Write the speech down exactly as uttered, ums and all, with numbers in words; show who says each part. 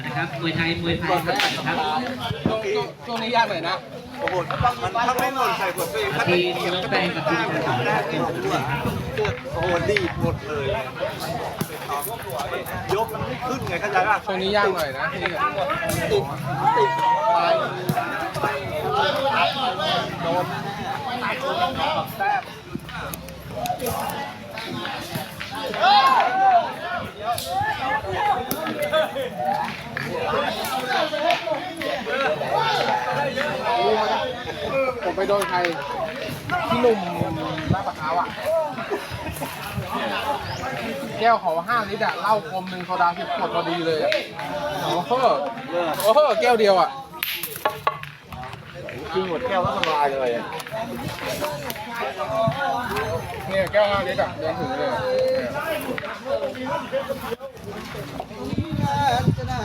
Speaker 1: นะครับมวยไทยมวยไทยนะครับ
Speaker 2: ช่วงนี้ยากหน่อยนะโอ้โหมันถ้าไม่หล่นใส่หัวตัวเองก็
Speaker 1: ทีมน้องแป้งกับทีมชาติ
Speaker 2: แรกที่ผมดูอ่ะโอ้โหดีหมดเลยยกมันไม่ขึ้นไงเข้าใจป่ะช่วงนี้ยากหน่อยนะติดติดไปโดนแต้มผมไปโดนใครพี่หนุ่มหน้าปากขาวอ่ะแก้วเขาห้าลิตรอะเหล้าคมหนึ่งโซดาสิบขวดพอดีเลยอ่ะโอ้โหโอ้โหแก้วเดียวอ่ะกินหมดแก้วแล้วสบายเลยเนี่ยแก้วห้าลิตรอะเดินถึงเลย